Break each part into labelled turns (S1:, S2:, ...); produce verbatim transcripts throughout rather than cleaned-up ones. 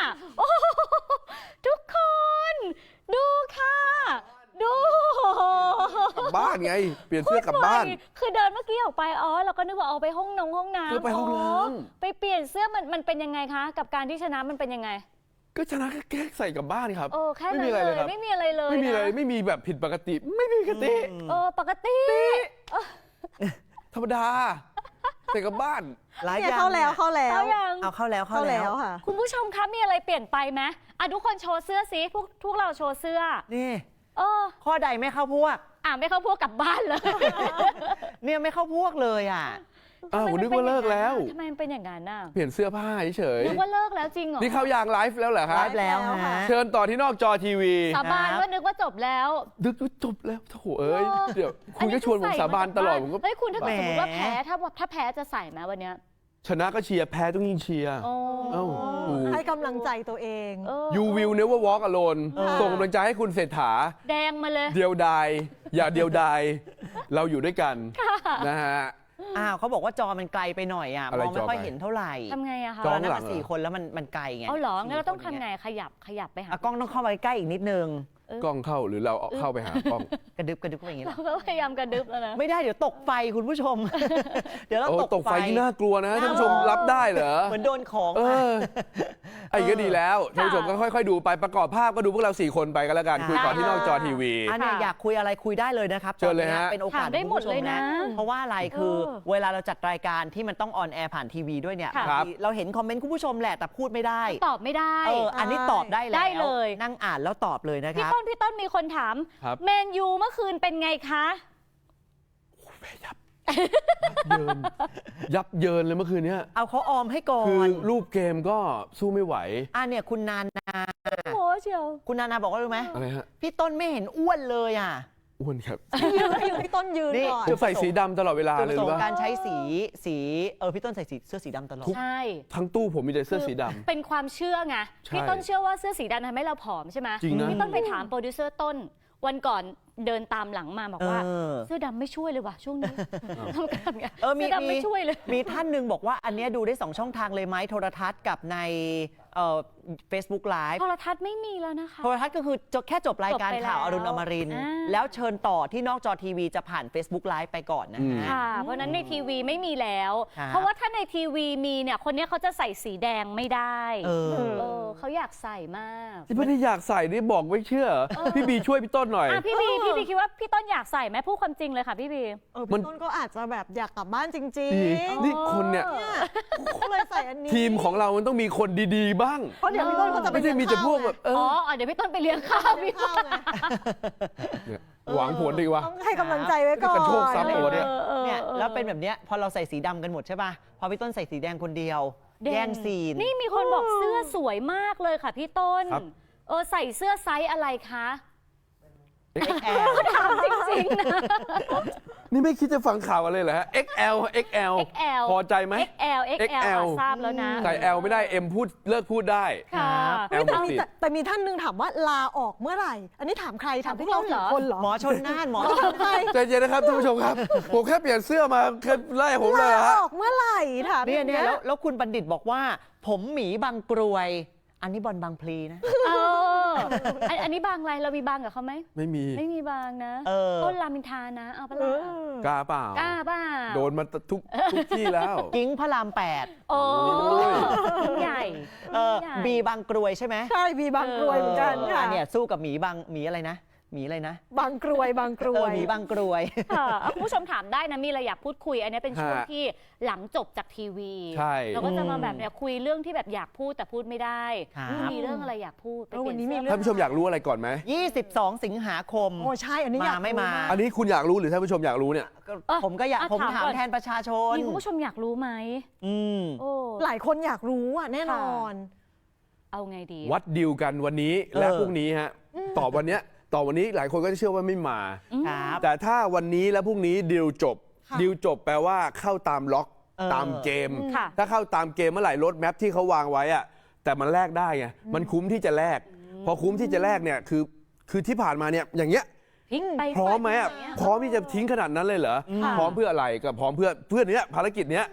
S1: โอ้ทุกคนดูค่ะดู
S2: กลับบ้านไงเปลี่ยนเสื้อกลับบ้าน
S1: คือเดินเมื่อกี้ออกไปอ๋อเราก็นึกว่าเอาไปห้องนงห้องน้ำ
S2: คือไปห้องน้
S1: ำไปเปลี่ยนเสื้อมันมันเป็นยังไงคะกับการที่ชนะมันเป็นยังไง
S2: ก็ชนะแค่ใส่กลับบ้านครับ
S1: โอ้แค่นั้นเลยไม่มีอะไรเลย
S2: ไม่มีอะไรไม่มีแบบผิดปกติไม่มีปกติ
S1: เออปกติ
S2: ธรรมดาใส่กลับบ้าน
S3: หลายอย่างเข้าแล้วเข้าแล้ว
S1: เอา
S3: เข้าแล้วเข้าแล้วค่ะ
S1: คุณผู้ชมคะมีอะไรเปลี่ยนไปไหมอ่ะทุกคนโชว์เสื้อสิพวกทุกเราโชว์เสื้อ
S3: นี่
S1: เออ
S3: ข้อใดไม่เข้าพวก
S1: อ่ะไม่เข้าพวกกลับบ้านเลย
S3: เนี่ยไม่เข้าพวกเลยอ่ะ
S2: อ้าวนึกว่าเลิกแล้ว
S1: ทำไมมันเป็นอย่างนั้นน่ะ
S2: เปลี่ยนเสื้อผ้าเฉย
S1: นึกว่าเลิกแล้วจริงเหรอ
S2: นี่เข้ายางไลฟ์แล้วเหรอครับ
S3: ไลฟ์แล้วฮะ
S2: เชิญต่อที่นอกจอทีวี
S1: สาบานว่านึกว่าจบแล้ว
S2: นึกว่าจบแล้วโถเอ้ยเดี๋ยวคุณก็ชวนผมสาบานตลอดผมก็
S1: เฮ้ยคุณถ้าเกิดสมมติว่าแพ้ถ้าถ้าแพ้จะใส่ไหมวันเนี้ย
S2: ชนะก็เชียร์แพ้ต้องยิ่งเชียร์
S4: ให้กำลังใจตัวเอง
S2: You will never walk alone ส่งกำลังใจให้คุณเศรษฐา
S1: แดงมาเลย
S2: เดียวดายอย่าเดียวดายเราอยู่ด้วยกันนะฮะ
S3: อ้าวเขาบอกว่าจอมันไกลไปหน่อยอ่ะมองไม่ค่อยเห็นเท่าไหร่
S1: ทำไงอะคะ
S3: จอนั้นมาสี่คนแล้วมันมันไกลไง
S1: เอาหรองั้นเราต้องทำไงขยับขยับไปหาก
S3: ล้องต้องเข้าไปใกล้อีกนิดนึง
S2: กล้องเข้าหรือเราเข้าไปหากล้อง
S3: กระดึบกระดึบไปอย่างนี้
S1: เราก็พยายามกระดึบแล้วนะ
S3: ไม่ได้เดี๋ยวตกไฟคุณผู้ชมเดี๋ยวเรา
S2: ตกไฟที่น่ากลัวนะท่านผู้ชมรับได้เหรอ
S3: เหมือนโดนของ
S2: เออไอ้ก็ดีแล้วท่านผู้ชมก็ค่อยๆดูไปประกอบภาพก็ดูพวกเราสี่คนไปก็แล้วกันคุยก่อนที่นอกจอทีวี
S3: อันนี้อยากคุยอะไรคุยได้เลยนะครับ
S2: เชิญเลยฮะ
S3: เป็นโอกาส
S1: ได้หมดเลยนะ
S3: เพราะว่าอะไรคือเวลาเราจัดรายการที่มันต้องออนแอร์ผ่านทีวีด้วยเนี่ยเราเห็นคอมเมนต์คุณผู้ชมแหละแต่พูดไม่ได้
S1: ตอบไม่ได้
S3: เอออันนี้ตอบได้แล้ว
S1: ได้เลย
S3: นั่งอ่านแล้วตอบเลยนะครับ
S1: พี่ต้นพี่ต้นมีคนถามแมนยูเมื่อคืนเป็นไงคะ
S2: ยับเยินยับเยินเลยเมื่อคืนนี้
S3: เอาเขาออมให้ก่อน
S2: คือรูปเกมก็สู้ไม่ไหว
S3: อ่ะเนี่ยคุณนานา
S1: โอ้เชียว
S3: คุณนานาบอกว่ารู้ไหม
S2: อะไรฮะ
S3: พี่ต้นไม่เห็นอ้วนเลยอ่ะ
S2: อ้วนครับ
S4: ยืนพี่ต้นยืนก่อน
S2: จะใส่สีดำตลอดเวลาเลยหรือเปล่า
S3: การใช้สีสีเออพี่ต้นใส่สีเสื้อสีดำตลอด
S1: ใช่
S2: ทั้งตู้ผมมีแต่เสื้อสีดำ
S1: เป็นความเชื่อไงพี่ต้นเชื่อว่าเสื้อสีดำทำให้เราผอมใช่ไหม
S2: จริงนะ
S1: พี่ต้นไปถามโปรดิวเซอร์ต้นวันก่อนเดินตามหลังมาบอกว่าเสื้อดำไม่ช่วยเลยว่ะช่วงนี้ทำการไงเสื้อดำไม่ช่วยเลย
S3: มีท่านหนึ่งบอกว่าอันนี้ดูได้สองช่องทางเลยไหมโทรทัศน์กับในเอ่อ Facebook Live
S1: โทรทัศน์ไม่มีแล้วนะคะ
S3: โทรทัศน์ก็คือแค่จบรายการข่าวอรุณอมรินทร์แล้วเชิญต่อที่นอกจอทีวีจะผ่าน Facebook Live ไปก่อนนะฮะ
S1: ค่ะเพราะนั้นในทีวีไม่มีแล้วเพราะว่าถ้าในทีวีมีเนี่ยคนนี้เขาจะใส่สีแดงไม่ได้เออเขาอยากใส่มาก
S2: ที่ไม่ได้อยากใส่นี่บอกไม่เชื่อพี่บีช่วยพี่ต้นหน่อย
S1: พี่บีพี่บีคิดว่าพี่ต้นอยากใส่ไหมพูดความจริงเลยค่ะพี่บี
S4: เออพี่ต้นก็อาจจะแบบอยากกลับบ้านจริง
S2: ๆนี่คนเนี่ย
S4: ก็เลยใส่อันนี้
S2: ทีมของเรามันต้องมีคนดีๆบ้าง
S4: เพราะเดี๋ยวพี่ต้นเขาจะ
S2: ไม่ใช่มีแต่พวกแบบ
S1: อ๋อเดี๋ยวพี่ต้นไปเลี้ยงข้าวพี่
S4: ข้าวไง
S2: หวังผลดีวะ
S4: ต้องให้กำลังใจไว้ก่อน
S2: กันโชคทรัพย์ตัวเนี่ย
S3: เนี่ยแล้วเป็นแบบเนี้ยพอเราใส่สีดำกันหมดใช่ป่ะพอพี่ต้นใส่สีแดงคนเดียวแย่งซีน
S1: นี่มีคนบอกเสื้อสวยมากเลยค่ะพี่ต้นเออใส่เสื้อไซส์อะไรคะ
S3: เอ็กซ์แอล
S1: ถามจริงๆนะ
S2: นี่ไม่คิดจะฟังข่าวอะไรเหรอฮะ เอ็กซ์ แอล เอ็กซ์ แอล พอใจไหม
S1: เอ็กซ์ แอล เอ็กซ์ แอล ทราบแล้วนะ
S2: ใส่ L ไม่ได้ M พูดเลิกพูดได้
S4: แต่มีแต่มีท่านนึงถามว่าลาออกเมื่อไหร่อันนี้ถามใครถามพวกเราสองคนเหรอ
S3: หมอชนน่านหมอ
S4: ถามใคร
S2: ใจเย็นนะครับท่านผู้ชมครับผมแค่เปลี่ยนเสื้อมาแค่ไล่ผมเลยฮะ
S4: ลาออกเมื่อไหร่ถาม
S3: เนี่ยเนี่ยแล้วคุณบัณฑิตบอกว่าผมหมีบางกรวยอันนี้บอลบางพลีนะ
S1: เอออันนี้บางอะไรเรามีบางกับเขาไหม
S2: ไม่มี
S1: ไม่มีบางนะต้นรามอินทรานะเอาปะล่ะ
S2: กล้าเปล่าก
S1: ล้าเปล่า
S2: โดนมาทุกทุกที่แล้ว
S3: กิ้งพระรามแปด
S1: โอ้ใหญ่
S3: เออบีบางกรวยใช่ไหม
S4: ใช่บีบางกรวยเหมือนกัน
S3: ค่ะเนี่ยสู้กับหมีบางหมีอะไรนะหมีอะไรนะ
S4: บางกรวยบางกรวย
S3: หมีบางกรวย
S1: ค่ะคุณผู้ชมถามได้นะมีอะไรอยากพูดคุยอันนี้เป็นช่วงที่หลังจบจากทีวีเราก็จะมาแบบเนี่ยคุยเรื่องที่แบบอยากพูดแต่พูดไม่ได้มีเรื่องอะไรอยากพูด
S4: วันนี้มีเรื่
S2: องท่านผู้ชมอยากรู้อะไรก่อนไหม
S3: ยี่สิบสองสิงหาคม
S4: โอ้ใช่อันนี้
S3: มาไม่มา
S2: อันนี้คุณอยากรู้หรือท่านผู้ชมอยากรู้เนี่ย
S3: ผมก็อยากผมถามแทนประชาชน
S1: มีคุณผู้ชมอยากรู้ไหม
S3: อืม
S4: หลายคนอยากรู้อ่ะแน่นอน
S1: เอาไงดี
S2: วัดดิวกันวันนี้และพรุ่งนี้ฮะตอบวันเนี้ยต่อวันนี้หลายคนก็จะเชื่อว่าไม่มาแต่ถ้าวันนี้และพรุ่งนี้ดิวจบดิวจบแปลว่าเข้าตามล็อกตามเกมถ้าเข้าตามเกมเมื่อไหร่รถแมพที่เขาวางไว้อะแต่มันแลกได้ไงมันคุ้มที่จะแลกพอคุ้มที่จะแลกเนี่ยคือคือที่ผ่านมาเนี่ยอย่างเงี้ยพร้อมไหมพร้อมที่จะทิ้งขนาดนั้นเลยเหรอพร้อมเพื่ออะไรก็พร้อมเพื่อเพื่อเนี้ยภารกิจเนี้ยพ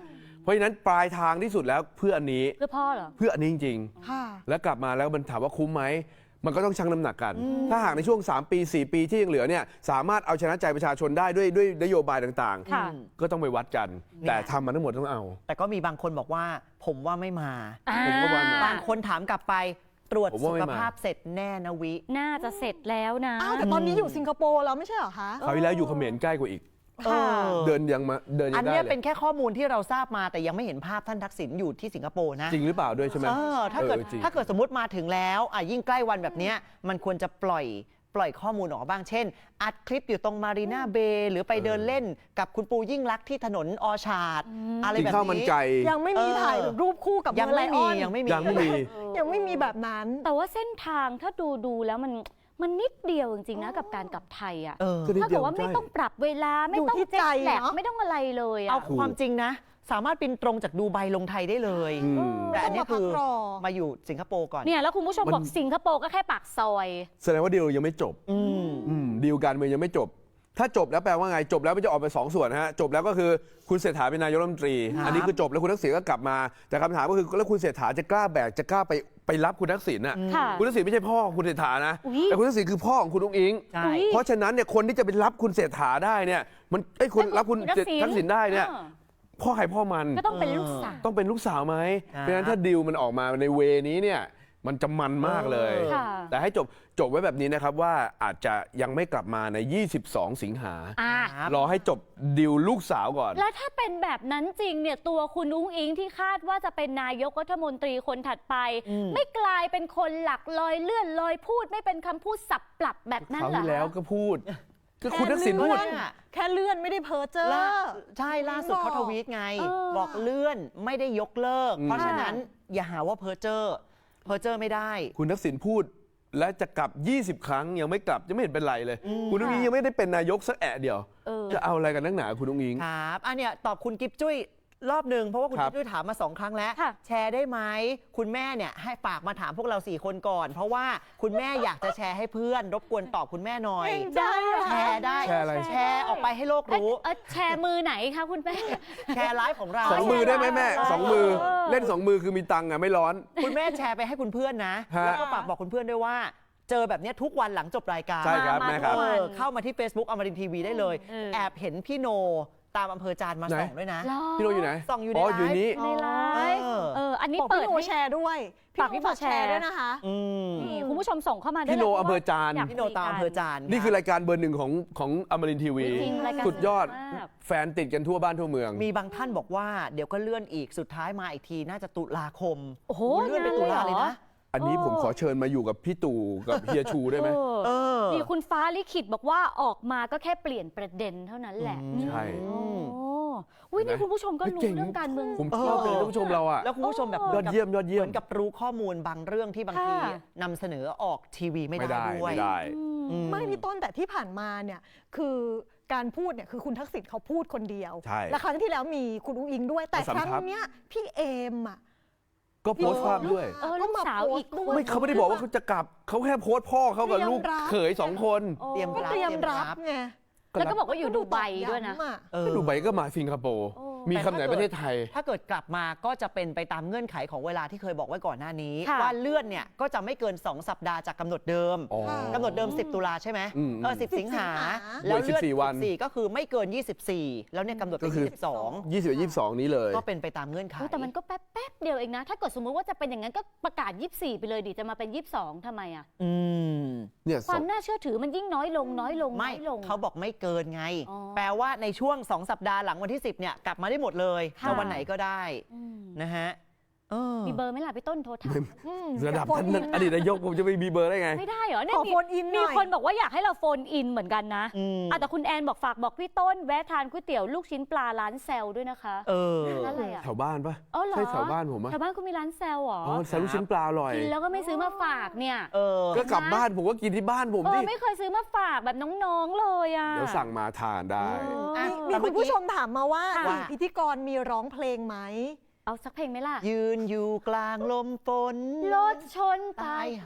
S2: ราะฉะนั้นปลายทางที่สุดแล้วเพื่ออันนี้
S1: เพื่อพ่อเหรอ
S2: เพื่ออันนี้จริง
S4: ค่ะ
S2: ๆ แล้วกลับมาแล้วมันถามว่าคุ้มไหมมันก็ต้องชั่งน้ำหนักกัน ถ้าหากในช่วงสามปีสี่ปีที่ยังเหลือเนี่ยสามารถเอาชนะใจประชาชนได้ด้วยด้วยนโยบายต่าง
S1: ค่ะ
S2: ๆ ก็ต้องไปวัดกัน แต่ทำมาทั้งหมดต้องเอา
S3: แต่ก็มีบางคนบอกว่าผมว่าไม่มา
S2: ผมก็ว่ามา
S3: บางคนถามกลับไปตรวจ
S2: ผม
S3: สุ
S2: ว่าไม่
S3: ข
S2: มา
S3: ภาพเสร็จแน่นะวิ
S1: น่าจะเสร็จแล้วนะ
S4: อ้าวแต่ตอนนี้อยู่สิงคโปร์แล้วไม่ใช่เหรอคะ
S2: คราวที่แล้วอยู่เขมรใกล้กว่าอีก
S4: ค่ะ
S2: เดินยังมาเดินยั
S3: อัน
S2: งได้
S3: เนี้ย
S2: เล
S3: เป็น
S2: ย
S3: แค่ข้อมูลที่เราทราบมาแต่ยังไม่เห็นภาพท่านทักษิณอยู่ที่สิงคโปร์นะ
S2: จริงหรือเปล่าด้วยใช่ไหม
S3: เออถ้าเกิด
S2: ออจริง
S3: ถ้าเกิดสมมติมาถึงแล้วอ่ะยิ่งใกล้วันแบบเนี้ยมันควรจะปล่อยปล่อยข้อมูลออกมาบ้างเช่น อัดคลิปอยู่ตรงมารีนาเบย์หรือไปเดินเล่นกับคุณปูยิ่งลักษณ์ที่ถนนอชาร์ดอะไร
S2: กิน
S3: แบบ
S2: ข้าวมัน
S3: นี้
S2: ไก่
S4: ยังไม่มี
S3: เออ
S4: ถ่ายรูปคู่กับ
S3: ยัง
S4: เมอร์ไล
S3: ไม่
S4: อ
S3: มี
S4: อน
S3: ยังไม่มี
S2: ยังไม่มี
S4: ยังไม่มีแบบนั้น
S1: แต่ว่าเส้นทางถ้าดูดูแล้วมันมันนิดเดียวจริงๆนะกับการกลับไทยอ่ะ
S3: เออ
S2: ก็นิด
S1: ถ้า
S2: เดี
S1: เกิ
S2: ยว
S1: ดว่าไม่
S2: ใช่
S1: ต้องปรับเวลาไม่
S4: อยู่
S1: ต้อง
S4: ที่
S1: เจ็ต
S4: ใจ
S1: แลก
S4: เนอะ
S1: ไม่ต้องอะไรเลยอ่ะ
S3: เอาความจริงนะ สามารถบินตรงจากดูไบลงไทยได้เลย
S2: อืม
S3: แต่อันนี้คือ
S4: ต้องมาพักรอ
S3: มาอยู่สิงคโปร์ก่อน
S1: เนี่ยแล้วคุณผู้ชม
S2: มัน
S1: บอกสิงคโปร์ก็แค่ปากซอย
S2: แสดงว่าดีลยังไม่จบ
S3: อืม
S2: อืมดีลการเมืองยังไม่จบ ถ้าจบแล้วแปลว่าไงจบแล้วมันจะออกไปสองส่วนนะฮะจบแล้วก็คือคุณเศรษฐาเป็นนายกรัฐมนตรี
S3: ครับ
S2: อันนี้คือจบแล้วคุณทักษิณก็กลับมาแต่คำถามก็คือแล้วคุณเศรษฐาจะกล้าแบกจะกล้าไปไปรับคุณทักษิณน่ะ
S1: ค่ะ
S2: คุณทักษิณไม่ใช่พ่อของคุณเศรษฐานะ
S1: อุ๊ย
S2: แต่คุณทักษิณคือพ่อของคุณอุ้งอิง
S3: ใช่
S1: อุ๊ย
S2: เพราะฉะนั้นเนี่ยคนที่จะไปรับคุณเศรษฐาได้เนี่ยมันไอ้ยคุณรับคุณทักษิณได้เนี่ย
S1: ออ
S2: พ่อใครพ่อมัน
S1: ก็ต้องเป็นลูกสาว
S2: ต้องเป็นลูกสาวไหม
S3: ครับ
S2: เพราะฉะนั้นถ้าดีลมันออกมาในเวนี้เนี่ยมันจะมันมากเลย
S1: ค่ะ
S2: แต่ให้จบจบไว้แบบนี้นะครับว่าอาจจะยังไม่กลับมาใน ยี่สิบสอง สิงหา
S1: อ่ะ
S3: ครับ
S2: รอให้จบดีลลูกสาวก่อน
S1: แล้วถ้าเป็นแบบนั้นจริงเนี่ยตัวคุณอุ้งอิงที่คาดว่าจะเป็นนายกรัฐมนตรีคนถัดไป
S3: อืม
S1: ไม่กลายเป็นคนหลักลอยเลื่อนลอยพูดไม่เป็นคำพูดสับปรับแบบนั้น
S2: เขา
S1: เหรอ
S2: ที่แล้ว
S1: คะ
S2: ก็พูด ก็คุณทักษิณพูด
S3: แค่เลื่อน
S4: แค่เลื่อนไม่ได้เพ้อเจ้อ
S3: ล่าใช่ล่าสุดเขาทวีตไง
S1: เออ
S3: บอกเลื่อนไม่ได้ยกเลิก
S2: อืม
S3: เพราะฉะนั้นอย่าหาว่าเพอเจอร์เพอเจอร์ไม่ได้
S2: คุณทักษิณพูดและจะกลับ ยี่สิบ ครั้งยังไม่กลับยังไม่เห็นเป็นไรเลย คุณอุ้งอิงยังไม่ได้เป็นนายกสักแอะเดียว
S1: เออ
S2: จะเอาอะไรกันนักหนาคุณอุ้งอิง
S3: ครับอันเนี้ยตอบคุณกิฟจุ้ยรอบหนึ่งเพราะว่าคุณ
S2: ครั
S3: กิ
S2: บ
S3: ฟจุ้ยถามมาสองครั้งแล้ว
S1: ค่ะ
S3: แชร์ได้ไหมคุณแม่เนี่ยให้ฝากมาถามพวกเราสี่คนก่อน เพราะว่าคุณแม่อยากจะแชร์ให้เพื่อนรบกวนตอบคุณแม่หน่อย
S1: ได้เหรอ
S3: แชร์ได้
S2: แชร์อะไร
S3: แชร์ออกไปให้โลก
S1: เอ้ย
S3: รู้
S1: เอ้ยแชร์มือไหนคะคุณแม่
S3: แชร์ไลฟ์ของเรา
S2: สองมือได้ไหมแม่สองมือ
S1: เออ
S2: เล่นสองมือคือมีตังค์อ่ะไม่ร้อน
S3: คุณแม่แชร์ไปให้คุณเพื่อนนะ
S2: ฮะ
S3: แล้วก็ฝากบอกคุณเพื่อนด้วยว่า เจอแบบเนี้ยทุกวันหลังจบรายการ
S2: ใช่ครับแม่ครับ
S3: เออเข้ามาที่ Facebook อมรินทร์ทีวีได้เลย
S1: เออ
S3: แอบเห็นพี่โนตามอำเภอจานมา
S2: ไหน
S3: ส่องด้วยนะ
S1: เหรอ
S2: พี่โนอยู่ไหน
S3: ส่องอยู่ใน
S2: อ๋อ
S3: ไลฟ์
S2: อยู่นี้
S1: ในไลฟ์
S3: เออ
S1: เอออันนี้
S4: บอก
S1: เปิ
S4: พี่
S1: ด
S4: โน
S1: ให้
S4: แชร์ด้วย
S1: ฝากพี่โนแชร์
S4: ด้วยนะคะ
S3: อืม
S1: นี่คุณผู้ชมส่งเข้ามาได้
S2: พี่โน
S1: เลย
S2: อำเภอจาน
S1: ยก
S3: พี่โนตามอำเภอจาน
S2: นี่คือรายการเบอร์หนึ่งของของอมรินทร์ทีวี
S1: จริงๆรายการ
S2: สุดยอด
S1: สนุกมาก
S2: แฟนติดกันทั่วบ้านทั่วเมือง
S3: มีบางท่านบอกว่าเดี๋ยวก็เลื่อนอีกสุดท้ายมาอีกทีน่าจะตุลาคม
S1: โอ้โห
S3: เลื่อนไปตุลาเลยนะ
S2: อันนี้ผมขอเชิญมาอยู่กับพี่ตู่กับเฮียชูได้ไหม
S1: เออ
S3: เออ
S1: นี่คุณฟ้าลิขิตบอกว่าออกมาก็แค่เปลี่ยนประเด็นเท่านั้นแหละ
S2: ใช่
S1: โอ้อุ้ยนี่คุณผู้ชมก็รู้
S2: เก่ง
S1: เรื่องการเมือง
S2: ผมชอบเลยท่านผู้ชมเราอ่ะ
S3: แล้วคุณผู้ชมแบบ
S2: ยอดเยี่ยมยอดเยี่ย
S3: เห
S2: ม
S3: มือนกับรู้ข้อมูลบางเรื่องที่บางที
S1: ค่ะ
S3: นำเสนอออกทีวีไม่
S2: ไม่
S3: ได้
S2: ได้
S3: ด้วย
S2: ไม่ได้
S1: อืม
S3: อื
S4: ไม่พี่ต้นแต่ที่ผ่านมาเนี่ยคือการพูดเนี่ยคือคุณทักษิณเขาพูดคนเดียว
S2: ใช่
S4: และครั้งที่แล้วมีคุณอุ้งอิงด้วย แต่
S2: สำ
S4: ครั้ง
S2: ทับ
S4: เนี้ยพี่เอมอ่ะ
S2: ก็โพสต์ภาพด้วย
S1: เออลูกสาวอีกคน
S2: ไม่เขาไม่ได้บอกว่าเขาจะกลับเขาแค่โพสต์พ่อเขากับลูกเขยสองคน
S1: โอ้
S3: เตรียม
S4: ก็เตรียมรับไง
S1: แล้วก็บอกว่าอยู่ดูไบด้วยนะ
S4: อ
S3: เออ
S2: ก็ดูใบก็มาสิงคโปร์
S1: โอ้
S2: มีคำไหนประเทศไทย
S3: ถ้าเกิดกลับมาก็จะเป็นไปตามเงื่อนไขของเวลาที่เคยบอกไว้ก่อนหน้านี้
S1: ค่ะ
S3: ว่าเลื่อนเนี่ยก็จะไม่เกิน สอง สัปดาห์จากกำหนดเดิม
S2: อ๋อ
S3: กำหนดเดิม สิบ ตุลาใช่ไหม
S2: อืม
S3: เออสิบ สิงหา
S4: สิบ
S3: แล้วเลื่อน
S2: สิบสี่วัน
S3: สิบสี่ก็คือไม่เกิน ยี่สิบสี่ แล้วเนี่ยกำหนด
S2: ก็
S3: เป็น
S2: คือ
S3: ยี่สิบสอง
S2: ยี่สิบยี่สิบสองนี้เลย
S3: ก็เป็นไปตามเงื่อนไข
S1: อุ๊ยแต่มันก็แป๊บแป๊บเดียวเองนะ ถ้าเกิดสมมุติว่าจะเป็นอย่างนั้นก็ประกาศยี่สิบสี่ไปเลยดิจะมาเป็นยี่สิบสองทำไมอ่ะ
S3: อืม
S2: เนี่ย
S1: ควา
S2: ส
S1: ม
S2: อง
S1: น่าเชื่อถือมันยิ่งน้อยลงน้อยลงน้
S3: ไม่
S1: อยลง
S3: เขาบอกไม่เกินไง
S1: อ๋อ
S3: แปลว่าในช่วง สอง สัปดาห์หลังวันที่ สิบเนี่ยกลับมาได้หมดเลย
S1: ค่ะ
S3: จะวันไหนก็ได้
S1: อืม
S3: นะฮะเออ
S1: มีเบอร์ไหมล่ะพี่ต้นโทรถาม
S4: อืม
S2: ระดับ
S4: โฟ
S2: ท่าน
S4: อิน
S2: อดีตนายกผมจะไปมีเบอร์ได้ไง
S1: ไม่ได้เหรอเนี่ย
S4: ขอ
S1: มี
S4: โฟนอินห
S1: มี
S4: น่อย
S1: คนบอกว่าอยากให้เราโฟนอินเหมือนกันนะ
S3: อืม
S1: อ่ะแต่คุณแอนบอกฝากบอกพี่ต้นแวะทานก๋วยเตี๋ยวลูกชิ้นปลาร้านแซลด้วยนะคะ
S3: เออ
S1: ร้านอะไรอ่ะ
S2: แถวบ้านปะ
S1: อ๋อเหรอ
S2: ใช่แถวบ้านผมปะ
S1: แถวบ้านคุณมีร้านแซลเหรอ
S2: อ๋อแซลลูกชิ้นปลาอร่อย
S1: กินแล้วก็ไม่ซื้อมาฝากเนี่ย
S3: เออ
S2: ก็กลับบ้านผมก็กินที่บ้านผม
S1: เอ
S2: ดิ
S1: อไม่เคยซื้อมาฝากแบบน้องๆเลยอ่ะ
S2: เดี๋ยวสั่งมาทานได้
S1: เออ
S3: อ่ะ
S4: มี
S3: แต่
S4: คุ
S3: เมื่
S4: ณ
S3: อกี้
S4: ผู้ชมถามมาว่า
S1: ค่ะ
S4: สี่พิธีกรมีร้องเพลงไหม
S1: เอาสักเพลงไหมล่ะ
S3: ยืนอยู่กลางลมฝน
S1: รถชนตา
S3: ตาย ย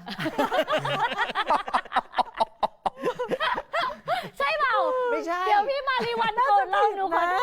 S1: ใช่เปล่า
S3: ไม่ใช่
S1: เดี๋ยวพี่มารีวันโกรธเราหนูขอโทษ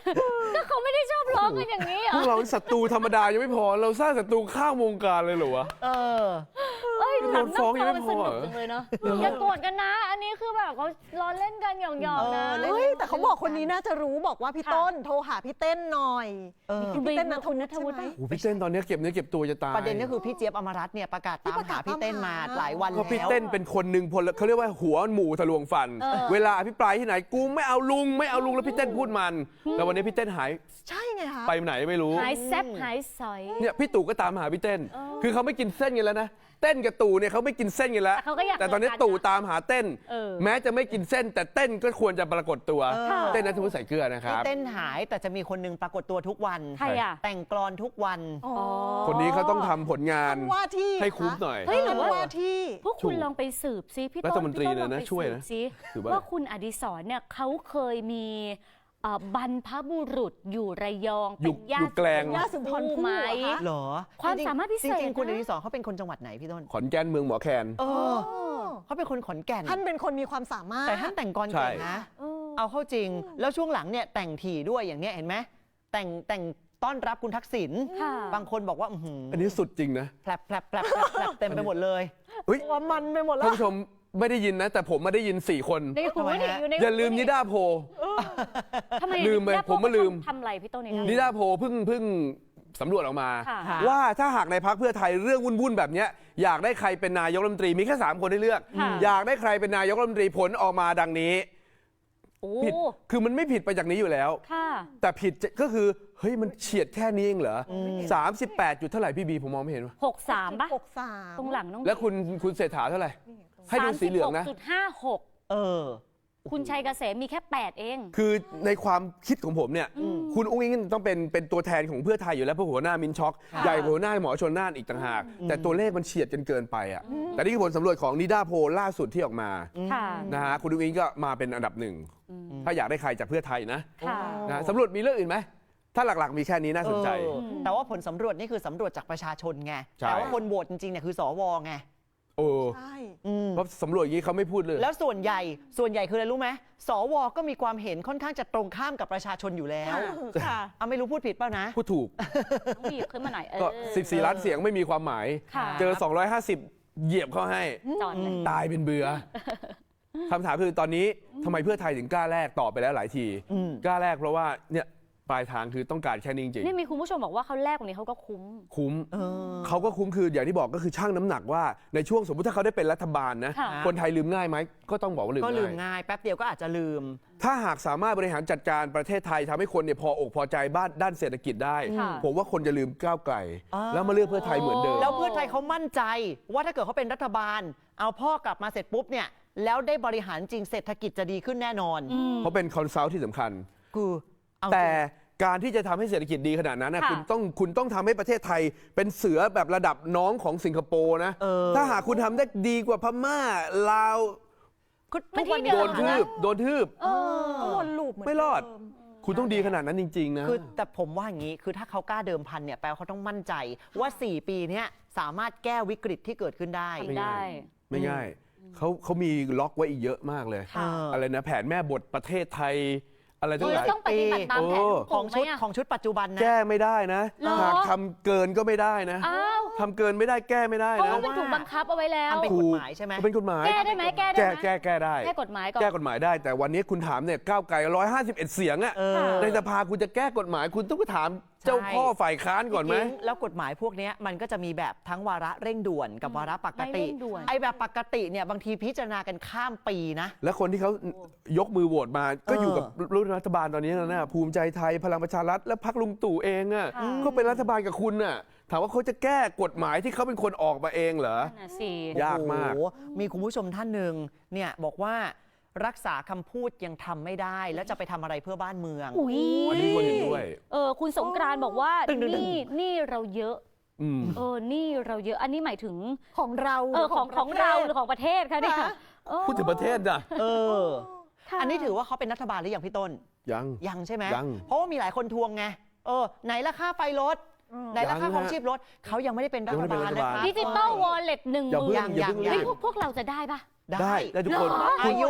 S1: ก็เขาไม่ได้ชอบร้องกันอย่างนี้เหร
S2: พ
S1: อ
S2: วกเราศัตรูธรรมดายังไม่พอเราสร้างศัตรูข้ามวงการเลยเหรอวะ
S3: เออ
S1: เอ้ย
S2: โดนฟ้องยังไม่
S1: มัน
S2: พ
S1: ส
S2: อ
S1: นุ
S2: เหร
S1: ก
S2: อ
S1: จังเลยเนาะอย่าโกรธกันนะ อันนี้คือแบบเขาล้อเล่นกันหยอกๆนะ
S3: เออเล่น
S4: เฮ้ยแต่เขาบอกคนนี้น่าจะรู้บอกว่าพี่ต้นโทรหาพี่เต้นหน่อย
S3: เออ
S4: พี่เต้นนัทวุฒิ
S1: นัทวุฒิ
S4: ใช่ไหม
S2: โอ้โหพี่เต้นตอนนี้เก็บเนื้อเก็บตัวจะตาย
S3: ประเด็นก็คือพี่เจี๊ยบอมรัตน์เนี่ยประกาศตามหาพี่เต้นมาหลายวัน
S2: ก็
S3: แล้ว
S2: พี่เต้นเป็นคนหนึ่งพลเขาเรียกว่าหัวหมูทะลวงฟัน
S1: เออ
S2: เวลาอภิปรายที่ไหนกูไม่เอาลุงไม่เอาลุงแล้วพี่เต้นพูดมันแล้ววันนี้พี่เต้นหาย
S4: ใช่ไงคะ
S2: ไปไหนไม่รู้
S1: หายแซบหายสอย
S2: เนี่ยพี่ตู่ก็ตามหาพี่เต้น คือเขาไม่กินเส้นกันแล้วนะเต้นกับตู่เนี่ยเขาไม่กินเส้นกันแล้ว
S1: แต่เขาก็อยาก
S2: แต่ตอนนี้
S1: เจอกัน
S2: ตู่ตามหาเต้น
S1: เออ
S2: แม้จะไม่กินเส้นแต่เต้นก็ควรจะปรากฏตัว
S3: เออ
S2: เต้นนัทวุฒิใส่เกลือนะค
S3: พี่
S2: รับ
S3: เต้นหายแต่จะมีคนหนึงปรากฏตัวทุกวัน
S1: ใครอ่ะ
S3: แต่งกลอนทุกวัน
S4: อ๋อ
S2: คนนี้เขาต้องทำผลงาน
S4: ท่านว่าที่
S2: ให้คุ้มหน่อย
S1: เฮ้ยหรือว่า
S4: ว่าที่
S1: พวกคุณลองไปสืบซิพี่ต้น
S2: รัฐมนตรี
S1: พี่ต้
S2: เนี่ยนะ
S1: ลองไป
S2: ช่วย
S1: สืบ
S2: นะ
S1: ซิ
S2: ถือว่า
S1: ว่าคุณอดิศรเนี่ยเขาเคยมีเอ่อบรรพบุรุษอยู่ระยอง
S2: อยู่
S1: เป็นญา
S2: อยู่
S1: ติ
S2: แกลง
S4: ย่าสุนทรภู่
S1: ไหม
S4: เหรอคะ
S3: เหรอ
S1: ความสามารถพิเศษ
S3: จริงๆคุณ
S1: นะ
S3: อดิศรเขาเป็นคนจังหวัดไหนพี่ต้น
S2: ขอนแก่นเมืองหมอแคน
S3: เออ
S4: อ๋อ
S3: เขาเป็นคนขอนแก่น
S4: ท่านเป็นคนมีความสามารถ
S3: แต่ท่านแต่งกล
S2: ใช่
S3: เก่งนะ
S1: เออ
S3: เอาเข้าจริง แล้วช่วงหลังเนี่ยแต่งถี่ด้วยอย่างเนี้ยเห็นไหมแต่งแต่งต้อนรับคุณทักษิณ
S1: ค่ะ
S3: บางคนบอกว่าอื้อหือ
S2: อันนี้สุดจริงนะ
S3: แผลบแผลบแผลบแผลบแผลบเต็มไปหมดเลย
S2: เฮ้ย
S4: ตัวมันไปหมดแล้
S2: ท่าน
S4: ว
S2: ผู้ชมไม่ได้ยินนะ แต่ผมมาได้ยินสี่คน
S1: ในหู
S3: ทำไม
S1: นี่
S3: ฮะ
S1: อยู่ใน
S2: อย่าลืมนิ
S1: หู
S2: ด้าโพล
S1: ทำไม
S2: ลืมไป
S1: นิด้า
S2: ผมมาลืม
S1: ทำอะไรพี่ต้น
S2: นิ
S1: เนี่ย
S2: ด้าโพลเพิ่งเพิ่งสำรวจออกมา
S1: ค่ะ
S3: ค่ะ
S2: ว่าถ้าหากในพักเพื่อไทยเรื่องวุ่นๆแบบเนี้ยอยากได้ใครเป็นนายกรัฐมนตรีมีแค่สามคนให้เลือก
S1: ค่ะ
S2: อยากได้ใครเป็นนายกรัฐมนตรีผลออกมาดังนี้
S1: โอ้
S2: ผิดคือมันไม่ผิดไปจากนี้อยู่แล้ว
S1: ค่ะ
S2: แต่ผิดจะก็คือเฮ้ยมันเฉียดแค่นี้เองเหรอสามสิบแปดจุดเท่าไหร่พี่บีผมมองไม่เห็นวะ
S1: หกสามป่ะ
S4: หกสาม
S1: ตรงหลังน้อง
S2: แล้วคุณคุณเศรษฐาเท่าไหร่ ให้ดูสีเหลืองนะ
S1: จุดห้าหก
S3: เออ
S1: คุณชัยเกษมมีแค่แปดเอง
S2: คือในความคิดของผมเนี่ย
S1: อืม
S2: คุณอุ้งอิงต้องเป็นเป็นตัวแทนของเพื่อไทยอยู่แล้วเพราะหัวหน้ามินช็อก
S1: ค่ะ
S2: ใหญ่กว่าหัวหน้าหมอชนน่านอีกต่างหาก แต่ตัวเลขมันเฉียดกันเกินไปอ่ะแต่นี่คือผลสำรวจของนิด้าโพลล่าสุดที่ออกมา
S1: ค่ะ
S2: นะฮะคุณอุ้งอิงก็มาเป็นอันดับหนึ่ง
S1: อืม
S2: ถ้าอยากได้ใครจากเพื่อไทยนะ
S1: ค่ะ
S2: นะฮะสำรวจมีเรื่องอื่นไหมถ้าหลักๆมีแค่นี้น่าสนใจ
S3: เออแต่ว่าผลสำรวจนี่คือสำรวจจากประชาชนไง
S2: ใช่
S3: แต่ว่าคนโหวตจริงๆเนี่ยคือสวไง
S2: โอ้
S4: ใช่
S3: อืม
S2: เพราะสำรวจอย่างนี้เขาไม่พูดเลย
S3: แล้วส่วนใหญ่ส่วนใหญ่คืออะไรรู้ไหมสวก็มีความเห็นค่อนข้างจะตรงข้ามกับประชาชนอยู่แล้ว
S4: ค่ะ
S3: เอาไม่รู้พูดผิดเปล่านะ
S2: พูดถูก
S1: ต้องบีบขึ้นมาหน่อยเออ
S2: ก็สิบสี่ล้านเสียงไม่มีความหมาย
S1: ค่ะ
S2: เจอสองร้อยห้าสิบเหยียบเข้าให้
S1: จอดเลย
S2: ตายเป็นเบื่อคำถามคือตอนนี้ทำไมเพื่อไทยถึงกล้าแลกต่อไปแล้วหลายที
S3: อืม
S2: กล้าแลกเพราะว่าเนี่ยปลายทางคือต้องการแค่นี้จริง
S1: นี่มีคุณผู้ชมบอกว่าเขาแลกวันนี้เขาก็คุ้ม
S2: ๆคุ้ม
S3: เออ
S2: เขาก็คุ้มคืออย่างที่บอกก็คือช่างน้ำหนักว่าในช่วงสมมติถ้าเขาได้เป็นรัฐบาลนะ
S1: ค่ะ
S2: คนไทยลืมง่ายไหมก็ต้องบอกว่าลืม
S3: ก็ลืม
S2: ง่าย
S3: ง่ายแป๊บเดียวก็อาจจะลืม
S2: ถ้าหากสามารถบริหารจัดการประเทศไทยทำให้คนเนี่ยพออกพอใจบ้านด้านเศรษฐกิจได้
S1: ค่ะ
S2: ผมว่าคนจะลืมก้าวไกล
S3: อ่า
S2: แล้วมาเลือกเพื่อไทยเหมือนเดิม
S3: แล้วเพื่อไทยเขามั่นใจว่าถ้าเกิดเขาเป็นรัฐบาล เอาพ่อกลับมาเสร็จปุ๊บเนี่ยแล้วได้บริหารจริงเศรษฐกิจจะดีขึ้นแน่นอน
S1: อืม
S2: เพราะเป็นคอนซัลท์ที่สำคัญ
S3: คือเอาจริง
S2: แต่การที่จะทำให้เศรษฐกิจดีขนาดนั้นนะ
S1: ค่ะ
S2: คุณต้องคุณต้องทำให้ประเทศไทยเป็นเสือแบบระดับน้องของสิงคโปร์นะ
S3: เออ
S2: ถ้าหากคุณทำได้ดีกว่าพม่าลาว
S3: คือ
S1: มัน
S3: ทุกวัน
S1: ที่เดิ
S2: โด
S1: ม
S2: นทืบโดนทืบ
S1: เออ
S4: ก็วนลูปเหมือน
S2: ไม่รอด
S4: เดิม
S2: คุณต้องดีขนาดนั้นจริง ๆ นะ
S3: คือแต่ผมว่าอย่างนี้ คือถ้าเขากล้าเดิมพันเนี่ยแปลว่าเขาต้องมั่นใจว่า สี่ ปีเนี้ยสามารถแก้วิกฤตที่เกิดขึ้นได้
S1: ทำได้
S2: ไม่ง่ายเขาเขามีล็อกไว้อีกเยอะมากเลย
S1: ค่ะ
S2: อะไรนะแผนแม่บทประเทศไทย อะไรทั้งหลาย
S1: ต้องปฏิบัติตามแผน
S2: โอ้
S3: ของ
S1: ไหม
S3: ชุด
S1: อะ
S3: ของชุดปัจจุบันนะ
S2: แก้ไม่ได้นะ
S1: เหรอ
S2: หากทำเกินก็ไม่ได้นะ
S1: อ้าว
S2: ทำเกินไม่ได้แก้ไม่ได้
S1: เพราะ
S2: นะ
S1: ว่ามันถูกบังคับเอาไว้แล้ว
S3: ทำเป็น
S2: ถู
S3: ก
S2: ก
S3: ฎหมายใช่ไหม
S2: เป็นกฎหมาย
S1: แก้ได้ไหมแก้ได้
S2: แก้
S1: ไหม
S2: แก้แก้ได้
S1: แก้กฎหมายก่อน
S2: แก้กฎหมายได้ แต่วันนี้คุณถามเนี่ยก้าวไกลร้อยห้าสิบเอ็ดเสียงอะ
S3: เออ
S2: ในสภาคุณจะแก้กฎหมายคุณต้องไปถามเจ้าพ่อฝ่ายค้านก่อนไหม
S3: จริงๆแล้วกฎหมายพวกเนี้ยมันก็จะมีแบบทั้งวาระเร่งด่วนกับวาระปกติ
S1: ไม่เร่งด่วน
S3: ไอ้แบบปกติเนี่ยบางทีพิจารณากันข้ามปีนะ
S2: และคนที่เขายกมือโหวตมาก็
S3: เออ
S2: อ
S3: อ
S2: ยู่กับรัฐบาลตอนนี้นะนะภูมิใจไทยพลังประชารัฐและพรรคลุงตู่เองอะก็เป็นรัฐบาลกับคุณน่ะถามว่าเขาจะแก้กฎหมายที่เขาเป็นคนออกมาเองเหรอ
S1: นั่นน่ะสิ
S2: ยากมาก
S3: โอ้โหมีคุณผู้ชมท่านหนึ่งเนี่ยบอกว่ารักษาคำพูดยังทำไม่ได้ แล้วจะไปทำอะไรเพื่อบ้านเมือง
S1: อุ้ย
S2: อันนี้คนเห็นด้วย
S1: เออคุณสงกรานต์บอกว่า
S3: ตึงๆๆ
S1: นี่นี่เราเยอะ
S2: อืม
S1: เออนี่เราเยอะ อันนี้หมายถึง
S4: ของเรา
S1: เออของของเราหรือของประเทศคะเนี่ย
S4: ค่ะ
S1: เออ
S2: พูดถึงประเทศน่ะ
S3: เออ
S1: ค่ะ
S3: อันนี้ถือว่าเขาเป็นรัฐบาลหรือยังพี่ต้น
S2: ยัง
S3: ยังใช่ไหม
S2: ยัง
S3: เพราะว่ามีหลายคนทวงไง เออ ไหนราคาไฟลด ไหนราคา
S2: ยังฮะ
S3: ของชีพลดเขายังไม่ได้เป็นรั
S2: ยัง
S3: ฐ
S2: ไม่ได้
S3: บา
S2: เป็น
S3: ล
S2: รัฐบาล
S3: นะคะ
S1: ดิจิตอลวอลเล็ตหนึ่งห
S2: อย่า
S1: มื่
S2: เพิ่ง
S1: น
S2: อย่าเพิ่ง
S3: ยัง
S1: เฮ้ย
S2: รีบ
S1: พวกพวกเราจะได้ปะ
S2: ได้ได้ทุกคน
S1: เหรอ
S3: อายุ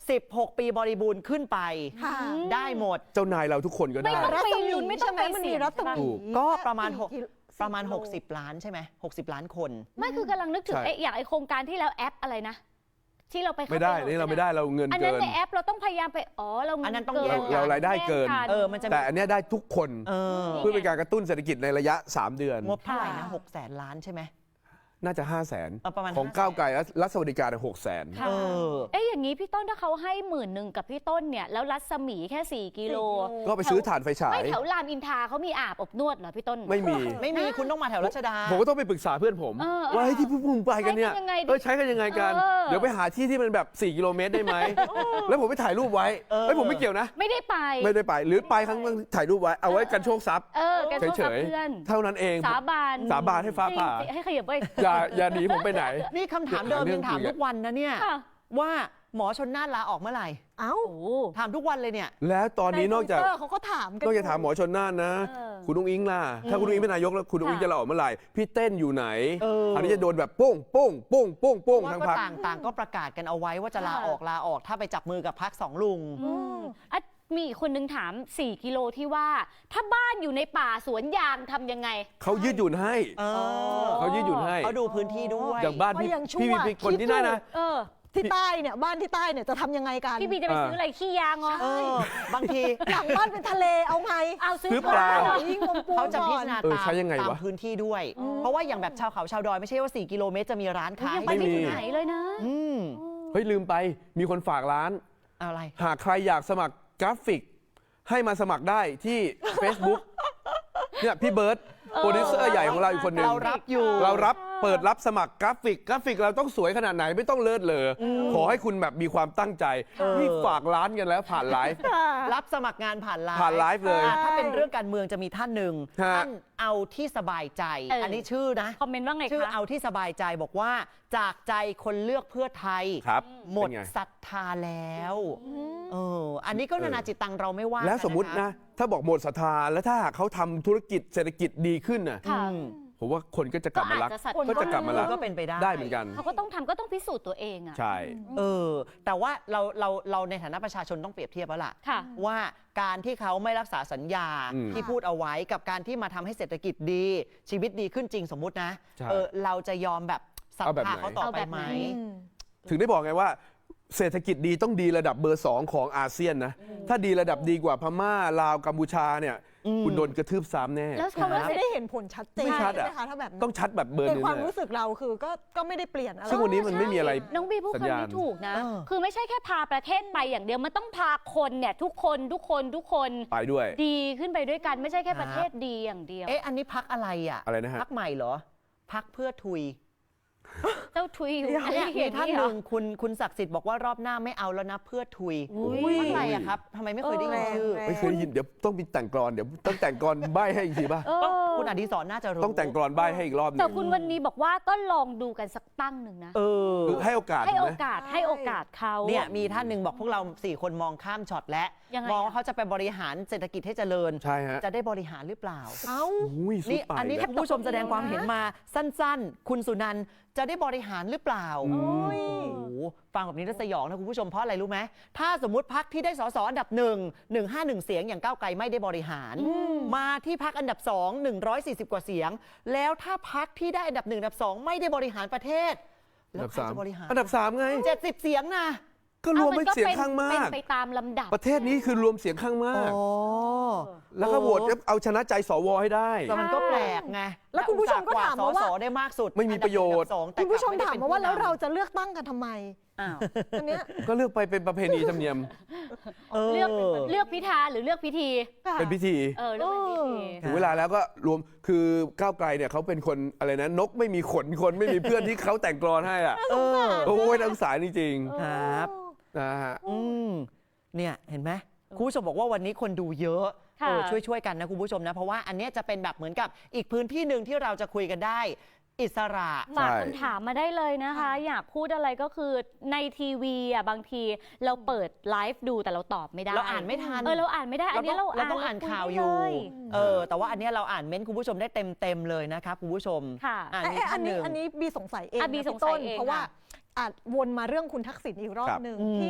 S3: สิบหก ปีบริบูรณ์ขึ้นไป
S4: ค่ะ
S3: ได้หมด
S2: เจ้านายเราทุกคนก็
S1: ไม่
S2: ได้
S1: ต้อง
S4: รั
S1: ไป
S4: ศมี
S1: ลุ้นไม่ต้อง
S4: ใช่ไหม
S1: ไป
S4: มัน
S1: เสี่
S4: มี
S1: ยง
S4: รัศ
S1: ใช่ปะ
S4: มี
S3: ก็ประมาณหก
S4: กี่
S3: ประมาณ
S4: โล
S3: หกสิบ ล้านใช่ไหมหกสิบ ล้านคน
S1: ไม่คือกำลังนึกถึง
S2: ใช่
S1: ไอ้อย่างไอ้โครงการที่แล้วแอปอะไรนะ ที่เราไปเข้า
S2: ไม่ได้
S1: ปโหล
S2: นี่เราไม่ได้เราเงิน
S1: อัน
S2: เกิ
S1: นั้น
S2: น
S1: ในแอปเราต้องพยายามไปอ๋อเรา
S3: อันนั้นต้อง
S1: เกิ
S3: แยก
S2: เรารายได้เกิน
S1: แย
S3: เออมันจะมี
S2: แต่อันเนี้ยได้ทุกคน
S3: เออ
S2: เพื่อเป็นการกระตุ้นเศรษฐกิจในระยะ สาม เดือน
S3: งบเท่าไหร่นะหกแสนล้านใช่ไหม
S2: น่าจะ ห้าแสน
S3: เออประมาณ
S2: ของ
S3: ห้าแสน
S2: ก้าวไกลและรัฐสวัสดิการหกแสน
S1: ค่ะ
S3: เออ
S1: เอ๊ะอย่างนี้พี่ต้นถ้าเขาให้หมื่นหนึ่งกับพี่ต้นเนี่ยแล้วรัศมีแค่สี่กิโล
S2: ก็ไปซื้อถ่านไฟฉาย
S1: ไม่แถวรามอินทราเขามีอาบอบนวดเหรอพี่ต้น
S2: ไม่มี
S3: ไม่มีคุณต้องมาแถวรัชดา
S2: ผมก็ต้องไปปรึกษาเพื่อนผม
S1: เออ
S2: ว่าเฮ้ยที่พวกมึงไปกันเนี่ย
S1: ใช้กันยังไงดิ
S2: เออใช้กันยังไงกัน
S1: เออ
S2: เดี๋ยวไปหาที่ที่มันแบบ สี่ กิโลเมตรได้ไหม แล้วผมไปถ่ายรูปไว้
S3: เออ
S2: เฮ้ยผมไม่เกี่ยวนะ
S1: ไม่ได้ไป
S2: ไม่ได้ไป หรือไปครั้งนึงถ่ายรูปไว้ เอาไว้กันโชคทรัพย์
S1: เออแกโทษ
S2: เฉ
S1: กับ
S2: ย
S1: เพื่อน
S2: ๆ เท่านั้นเอง
S1: สาบาน
S2: สาบานให้ฟ้าผ่า
S1: จริงๆให้ขยับไป
S2: อย่าอย่าหนีผมไปไหน
S3: นี่คำถามเดิมยังถามทุกวันนะเนี่ย
S1: ค่ะ
S3: ว่าหมอชนน่านลาออกเมื่อไหร่
S4: เอ้า
S1: โอ้
S3: ถามทุกวันเลยเนี่ย
S2: แล้วตอนนี้นอกจาก
S4: ใTwitter เขาก็ถามกัน
S2: นอกจากถามหมอชนน่านนะ
S1: เออ
S2: คุณอุ้งอิงล่ะ ถ้าคุณอุ้งอิงเป็นนายกแล้วคุณอุ้งอิง
S1: ค่ะ
S2: จะลาออกเมื่อไหร่ พี่เต้นอยู่ไหน
S3: เออ
S2: คราวนี้จะโดนแบบโป้งโป้งโป้งโป้งโป้ง
S3: ว่า
S2: ทั้ง
S3: ก็
S2: พัก
S3: ต่างต่างก็ประกาศกันเอาไว้ว่าจะลา
S1: ค่ะ
S3: ออกลาออกถ้าไปจับมือกับพักสองลุง
S1: อืมอ่ะมีอีกคนนึงถาม สี่ กิโลที่ว่า ถ้าบ้านอยู่ในป่าสวนยางทำยังไง
S2: เขายืดหยุ่นให้
S3: เออ
S2: เขายืดหยุ่นให้
S3: เขาดูพื้นที่ด้วย
S2: อย่างบ้านพี่
S4: ก็ยังชั่ว
S2: พี่พี่คนที่ได้นะ
S1: เออ
S4: ที่ใต้เนี่ยบ้านที่ใต้เนี่ยจะทำยังไงกัน
S1: พี่บีจะไปซื้ออะไรขี้ยางเหรอ
S3: เออบางที
S4: หลังบ้านเป็นทะเลเอาไง
S1: เอาซื้อ
S2: ซื้อปลา
S1: เหรอ
S4: ยิ่งงมปู
S3: เขาจะพิ
S4: ก่
S3: จา
S4: อน
S3: รณา
S2: เออ
S3: ตาม
S2: ใช้ยังไง
S3: ตาม
S2: วะ
S3: พื้นที่ด้วย
S1: อืม
S3: เพราะว่าอย่างแบบชาวเขาชาวดอยไม่ใช่ว่า สี่ กิโลเมตรจะมีร้าน
S1: เฮ้ย
S3: ขาย
S1: ยังไปไม่
S2: ไม่มี
S1: ถึงไหนเลยนะ
S3: อืม
S2: เฮ้ยลืมไป มีคนฝากร้าน
S3: อะไร
S2: หากใครอยากสมัครกราฟิก ให้มาสมัครได้ที่ Facebook เนี่ยพี่เบิร์ตโปรดิวเซอร์ใหญ่ของเราอีกคนหนึ่ง
S3: เรารับอยู่
S2: เรารับเปิดรับสมัครกราฟิก กราฟิกเราต้องสวยขนาดไหนไม่ต้องเลิศเลออขอให้คุณแบบมีความตั้งใจ
S3: เออ
S2: นี่ฝากร้านกันแล้วผ่านไลฟ์
S3: รับสมัครงานผ่านไลน์
S2: ผ่านไลฟ์เลย
S3: อ่าถ้าเป็นเรื่องการเมืองจะมีท่านหนึ่ง
S2: ฮะ
S3: ท่านเอาที่สบายใจ
S1: เอออั
S3: อันนี้ชื่อนะ
S1: คอมเมนต์ว่าไง
S3: ชื่อ
S1: คะ
S3: เอาที่สบายใจบอกว่าจากใจคนเลือกเพื่อไทย
S2: ครับ
S3: หมด
S2: เป็นไง
S3: ศรัทธาแล้วเอออันนี้ก็นานาจิตตังเราไม่ว่า
S2: แล้วสมมุติ
S3: ค
S2: นะ ถ้าบอกหมดศรัทธาแล้วถ้าหากเขาทำธุรกิจเศรษฐกิจดีขึ้นน่ะ
S1: ค่ะ
S3: อืม
S2: ผมว่าคนก็จะกลับมารัก
S1: ก็อาจจะศรัทธา
S2: ก็จะกลับมารัก
S3: ก็เป็นไปได้
S2: ได้เหมือนกัน
S1: เขาก็ต้องทำก็ต้องพิสูจน์ตัวเองอ่ะ
S2: ใช่
S3: เออ แต่ว่าเราเราเราในฐานะประชาชนต้องเปรียบเทียบแล้วล่ะ
S1: ค่ะ
S3: ว่าการที่เขาไม่รักษาสัญญา
S2: อืม
S3: ที่พูดเอาไว้กับการที่มาทำให้เศรษฐกิจดี ชีวิตดีขึ้นจริงสมมุตินะ
S2: ใช่
S3: เออเราจะยอมแบบศรัท
S2: เอาแบบ
S3: ธา
S2: ไหน
S3: เขาต่อ
S1: เอา
S3: ไป
S1: แบบ
S3: ไหม
S1: ไหน
S4: อืม
S2: ถึงได้บอกไงว่า เศรษฐกิจดีต้องดีระดับเบอร์สองของอาเซียนนะ ถ้าดีระดับดีกว่าพม่าลาวกัมพูชาเนี่ย
S3: อืม
S2: คุณโดนกระทืบซ้ำแน่
S1: แล้ว
S3: ครั
S1: คำว่า
S3: บ
S1: เศรษฐ
S4: ไม่ได้เห็นผลชัดเจน
S2: ไม่ชัด
S4: ใช่
S2: อะ
S4: ไหมคะถ้าแบบนั้น
S2: ต้องชัดแบบเบอร์
S4: ใน
S2: นึง
S4: ความ
S2: เลย
S4: รู้สึกเราคือก็ก็ไม่ได้เปลี่ยนอะไร
S2: ซึ่งวันนี้มันไม่มีอะไร
S1: น้องบีพูด
S2: สัญ
S1: คำ
S2: ญาณ
S1: นี้ถูกนะ
S3: เออ
S1: คือไม่ใช่แค่พาประเทศไปอย่างเดียว มันต้องพาคนเนี่ยทุกคนทุกคนทุกคน
S2: ไปด้วย
S1: ดีขึ้นไปด้วยกัน ไม่ใช่แค่
S3: ครับ
S1: ประเทศดีอย่างเดียว
S3: เอ๊ะอันนี้พักอะไรอ่ะ
S2: อะไรนะฮะ
S3: พักใหม่เหรอพักเพื่อทุย
S1: เจ้าทุยอยู่
S3: เนี่ยมีท่านห
S1: เหรอ
S3: นึ่งคุณคุณศักดิ์สิทธิ์บอกว่ารอบหน้าไม่เอาแล้วนะเพื่อทุย
S1: อุ้ย
S3: พักอะไรอะครับทำไมไม่เคยได้ยินชื่อ
S4: แรง
S2: ไม่เคยได้ยินเดี๋ยวต้องมีแต่งกรอนเดี๋ยวต้องแต่งกรอนใบให้อีกทีป่ะ
S1: เออ
S3: คุณอดิศรน่าจะรู้
S2: ต้องแต่งกรอนใบให้อีกรอบหนึ
S1: แต่
S2: ง
S1: คุณวันนี้บอกว่าก็ลองดูกันสักตั้งหนึ่งนะ
S3: เออ
S2: คือให้โอกาส
S1: ให้
S2: ถูก
S1: โอ
S2: ไหม
S1: กาสให้โอกาสเขา
S3: เนี่ยมีท่านหนึ่งบอกพวกเราสี่คนมองข้ามช็อตและ
S1: ยังไง
S3: มอง
S1: อะ
S3: ว่าเขาจะไปบริหารเศรษฐกิจให้เจริญ
S2: ใช่ฮะ
S3: จะได้บริหารหรือเปล่า
S4: เอ้า
S2: อุ้ยสุด
S3: นี่
S2: ปา
S3: อันนี้
S2: ก
S3: ถ้าคุณผู้ชมแสดงความเห็นมาสั้นๆ คุณสุนันท์จะได้บริหารหรือเปล่า
S2: อืม
S3: โอ้โหฟังแบบนี้แล้วสยองนะคุณผู้ชมเพราะอะไรรู้ไหมถ้าสมมติพักที่ได้สสอันดับหนึ่งหนึ่งห้าหนึ่งเสียงอย่างก้าวไกลไม่ได้บริหาร มาที่พักอันดับสองหนึ่งร้อยสี่สิบกว่าเสียง แล้วถ้าพักที่ได้อันดับหนึ่งอันดับสองไม่ได้บริหารประเทศ
S2: อัน
S3: แล้ว
S2: ดับ
S3: ใคร
S2: สาม
S3: จะบริหาร
S2: อันดับสามไง
S3: เจ็ดสิบเสียงนะ
S2: ก็รวม
S1: อ้
S2: เป็นเสียงข้างมา
S1: เป็
S2: ก
S1: นไปตามลำดับ
S2: ประเทศนี้คือรวมเสียงข้างมาก
S3: อ๋อ
S2: แล้วก็โหวตเอาชนะใจสวให้ได้
S3: แต่มันก็แปลกไง
S4: แล้วคุณผู้ชมก็ถามมาว่า
S3: สสได้มากสุด
S2: ไม่มีประโยชน์
S3: อันดับหนึ่งอันดับสองแต่
S4: คุณผู้ชม
S3: กลับ
S4: ถาม
S3: ไได้
S4: มาว่า
S3: ป็น
S4: แล้ว
S3: ผู้นำ
S4: เราจะเลือกตั้งกันทำไม
S1: อ้าว
S4: อันเนี้ย
S2: ก็เลือกไปเป็นประเพณีธรรมเนียม
S3: เออ
S1: เลือกเลือกพิธาหรือเลือกพิธี
S2: เป็นพิธี
S1: เออเลือกเป็นพิธี
S3: เออ
S2: ถึงเวลาแล้วก็รวมคือก้าวไกลเนี่ยเขาเป็นคนอะไรนะนกไม่มีขนคนไม่มีเพื่อนที่เขาแต่งกลอนให้อ่ะ
S3: เออ
S2: โอ้ยนักศึกษาจริง
S3: ครับ
S2: ๆนะฮะ
S3: อืมเนี่ยเห็นไหมคุณผู้ชมบอกว่าวันนี้คนดูเยอะ
S1: ค่ะ
S3: เออช่วยช่วยๆกันนะคุณผู้ชมนะเพราะว่าอันเนี้ยจะเป็นแบบเหมือนกับอีกพื้นที่หนึ่งที่เราจะคุยกันได้ อิสระ
S1: ฝาก
S2: ใช่
S1: คำถามมาได้เลยนะคะ อยากพูดอะไรก็คือในทีวีอ่ะบางทีเราเปิดไลฟ์ดูแต่เราตอบไม่ได้
S3: เราอ่านไม่ทัน
S1: เออเราอ่านไม่ได้ อันนี้เรา
S3: เราต้องอ่าน
S1: คุ
S3: ข่าว
S1: ได้
S3: อยู่
S1: เลย
S3: เออแต่ว่าอันเนี้ยเราอ่านเม้นต์คุณผู้ชมได้เต็มเต็มๆเลยนะครับคุณผู้ชม
S1: ค่ะ
S3: อ่า
S4: เอ๊ะ
S3: มี
S4: เอ๊ะอั
S3: ท่าน นห
S4: นี้
S3: นึ่ง
S4: อันนี้บีสงสัยเอง
S1: อ่ะบี
S4: นะ
S1: สง
S4: พี่
S1: สัย
S4: ต้น
S1: เอง
S4: เพราะว่า
S1: ค่ะ
S4: อาจวนมาเรื่องคุณทักษิณอีกรอบ
S2: ครับ
S4: หนึ่ง
S3: อืม
S4: ที่